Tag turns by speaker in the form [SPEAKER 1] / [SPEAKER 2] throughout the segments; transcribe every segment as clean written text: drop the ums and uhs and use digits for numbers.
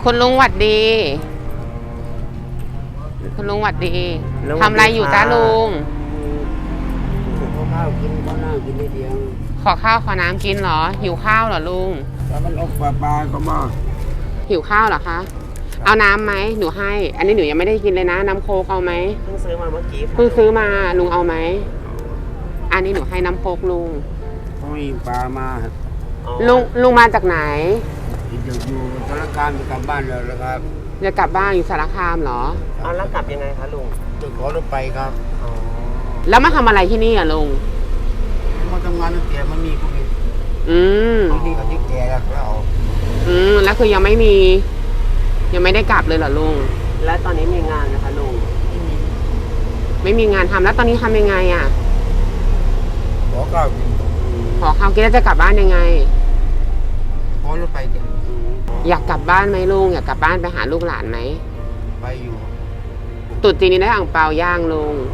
[SPEAKER 1] คุณลุงหวัดดีคุณลุงหวัดดีทำอะไรอยู่จ้าลุง
[SPEAKER 2] ข้าวกินข้าวหน้ากินนิดเดียว
[SPEAKER 1] ขอข้าวขอน้ำกินเหรอหิวข้าวเหรอลุง
[SPEAKER 2] แต่มันออกปลาก็มา
[SPEAKER 1] หิวข้าวเหรอคะเอาน้ำไหมหนูให้อันนี้หนูยังไม่ได้กินเลยนะน้ำโค้กเอาไหม
[SPEAKER 3] เพิ่งซื้อมาเมื่อกี้
[SPEAKER 1] เพิ่งซื้อมาลุงเอาไหมอันนี้หนูให้น้ำโค้กลุง
[SPEAKER 2] เขามีปลามา
[SPEAKER 1] ลุงมาจากไหน
[SPEAKER 2] อยู่สารคามจะกลับบ้านแล้วครับ
[SPEAKER 1] จะกลับบ้านอยู่สารคามเหรอ
[SPEAKER 3] เอาแล้วกลับยังไงคะลุง
[SPEAKER 2] จะขอรถไปครับ
[SPEAKER 1] แล้วมาทำอะไรที่นี่อ่ะลุง
[SPEAKER 2] มาทำงานตั้งแต่มันมีโควิดที่เขาที่แก่แล้ว
[SPEAKER 1] แล้วคือยังไม่ได้กลับเลยเหรอลุง
[SPEAKER 3] แล้วตอนนี้มีงานนะคะลุง
[SPEAKER 1] ไม่มีงานทำแล้วตอนนี้ทำยังไงอ่ะ
[SPEAKER 2] ขอข้าวกิน
[SPEAKER 1] แล้วจะกลับบ้านยังไง
[SPEAKER 2] ขอรถไปกัน
[SPEAKER 1] อยากกลับบ้านไหมลุงอยากกลับบ้านไปหาลูกหลานไหม
[SPEAKER 2] ไปอยู่
[SPEAKER 1] ตุ๊จีนนี้ได้อ่างเปาย่างลุง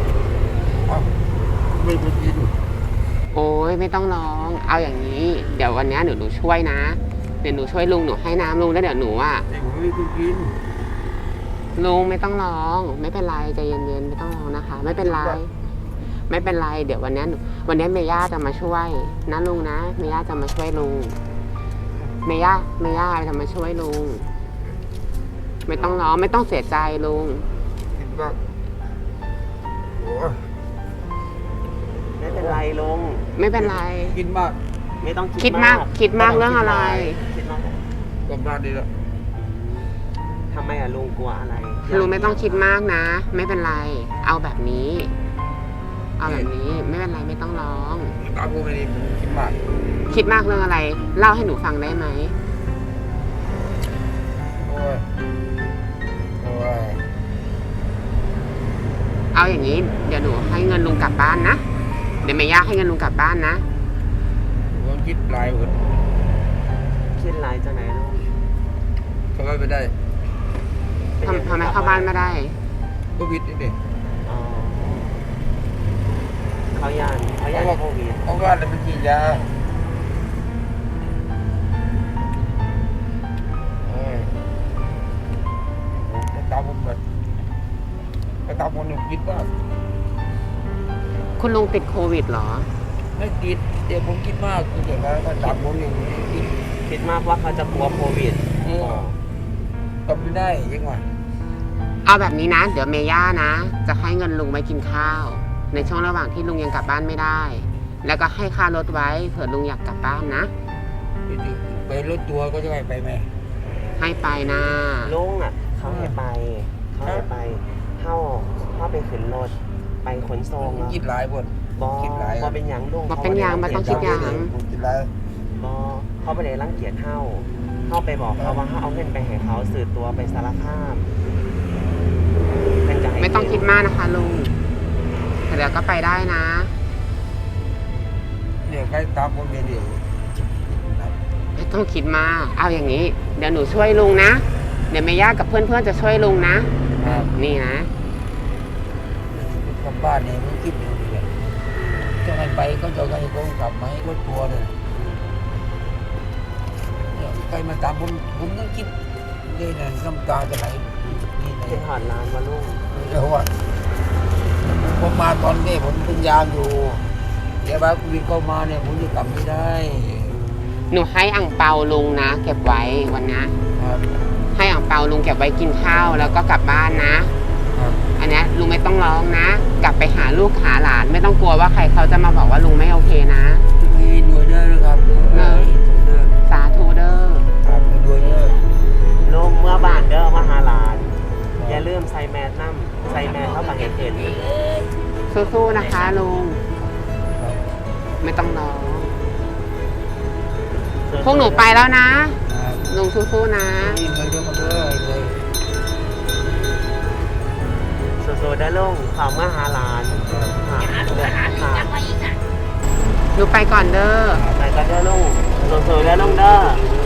[SPEAKER 2] ไม่ไปกิน
[SPEAKER 1] โอ้ยไม่ต้องร้องเอาอย่างนี้เดี๋ยววันนี้หนูช่วยนะเดี๋ยวหนูช่วยลุงหนูให้น้ำลุงแล้วเดี๋ยวหนูอ่ะ
[SPEAKER 2] ไม่ไปกิน
[SPEAKER 1] ลุงไม่ต้องร้องไม่เป็นไรใจเย็นๆไม่ต้องร้องนะคะไม่เป็นไรเดี๋ยววันนี้เมย่าจะมาช่วยนะลุงนะเมย่าจะมาช่วยลุงเมย่าจะมาช่วยลุงไม่ต้องร้องไม่ต้องเสียใจลุง
[SPEAKER 2] คิดว่าโอ้
[SPEAKER 3] ไม่เป็นไรลุง
[SPEAKER 1] ไม่เป็นไร
[SPEAKER 2] คิดมาก
[SPEAKER 3] ไม่ต้อง
[SPEAKER 1] คิดมากเรื่องอะไร
[SPEAKER 3] คิดมาก
[SPEAKER 2] กำลังดีแล้ว
[SPEAKER 3] ทำไมอะลุงกลัวอะไร
[SPEAKER 1] ลุงไม่ต้องคิดมากนะไม่เป็นไรเอาแบบนี้ไม่เป็นไรไม่ต้องร้อง
[SPEAKER 2] ตาพูดไม่ดีคิดมาก
[SPEAKER 1] เรื่องอะไรเล่าให้หนูฟังได้ไหม
[SPEAKER 2] โอ้ย
[SPEAKER 1] เอาอย่างนี้เดี๋ยวหนูให้เงินลุงกลับบ้านนะเดี๋ยวแม่ย่าให้เงินลุงกลับบ้านนะ
[SPEAKER 2] ผมคิดลายหมด
[SPEAKER 3] คิดลายจากไหนลุง
[SPEAKER 2] เข้าบ้านไม่ได้
[SPEAKER 1] ทำไมเข้าบ้านไม่ได้
[SPEAKER 2] โควิดนี่เด็ก
[SPEAKER 3] เขาย่านโควิด
[SPEAKER 2] เพราะว่าเราเป็นฉีดยาตามผมแบบตามผมหนุ่มคิดว่า
[SPEAKER 1] คุณลุงติดโควิดเหรอ
[SPEAKER 2] ไม่ติดเดี๋ยวผมคิดมากเดี๋ยวก็ตามผมหนึ่ง
[SPEAKER 3] คิดมากว่าเขาจะกลัวโควิด
[SPEAKER 2] กลับไม่ได้ยังไง
[SPEAKER 1] เอาแบบนี้นะเดี๋ยวเมย่านะจะให้เงินลุงไปกินข้าวในช่วงระหว่างที่ลุงยังกลับบ้านไม่ได้แล้วก็ให้ค่ารถไว้เผื่อลุงอยากกลับบ้านนะ
[SPEAKER 2] ไปรถตัวก็จะไปไหม
[SPEAKER 1] ให้ไปนะ
[SPEAKER 3] ลุงอ่ะเขาให้ไปเข้าไปขึ้นรถไปขนส่งแล้ว
[SPEAKER 2] คิดหลายบ
[SPEAKER 3] อเป็นอย่างลุง
[SPEAKER 1] เป็นอย่างมันต้องคิดอย่าง
[SPEAKER 3] เขาไปเลยรังเกียจเข้าไปบอกเขาว่าเอาเงินไปให้เขาสื่อตัวไปสารคาม
[SPEAKER 1] ไม่ต้องคิดมากนะคะลุงเดี๋ยวก็ไปได้นะ
[SPEAKER 2] เดี๋ยวใครตามผมเดี๋ยว
[SPEAKER 1] ไม่ต้องคิดมากเอาอย่างนี้เดี๋ยวหนูช่วยลุงนะเดี๋ยวแม่ย่ากับเพื่อนจะช่วยลุงนะนี่นะ
[SPEAKER 2] กลับบ้านเนี่ยผมคิดอยู่เลยจะให้ไปก็จะให้ผมกลับมาให้รถตัวเลยใครมาตามผมต้องคิดเลยนะน้ำตาจะไหล
[SPEAKER 3] เป็นหอดนานมาลุง
[SPEAKER 2] เดี๋ยวว่าผมมาตอนนี้ผมเป็นยามอยู่เดี๋ยวบ้านคุณวินเข้ามาเนี่ยผมจะกลับไม่ได้
[SPEAKER 1] หนูให้อ่างเปาลุงนะเก็บไว้วันนี้ให้อ่างเปาลุงเก็บไว้กินข้าวแล้วก็กลับบ้านนะอันนี้ลุงไม่ต้องร้องนะกลับไปหาลูกหาหลานไม่ต้องกลัวว่าใครเขาจะมาบอกว่าลุงไม่โอเคนะ
[SPEAKER 2] มีหน่วยเด้อครับ
[SPEAKER 1] สาธุเด้อ
[SPEAKER 2] ครับหน่วยเด้อ
[SPEAKER 3] ลุงเมื่อบ้านเด้อมาหาหลานอย่าลืมใส่แมสเข้ามาเห็น
[SPEAKER 1] สู้ๆนะคะลุงไม่ต้องร้องพวกหนูไปแล้วนะลุงสู้ๆนะ
[SPEAKER 3] สู้ๆได้ลุงข่าวเมื่อหาหลาน
[SPEAKER 1] หนูไปก่อนเด้อ
[SPEAKER 3] ไปก่อนเด้อลุงสู้ๆได้ลุงเด้อ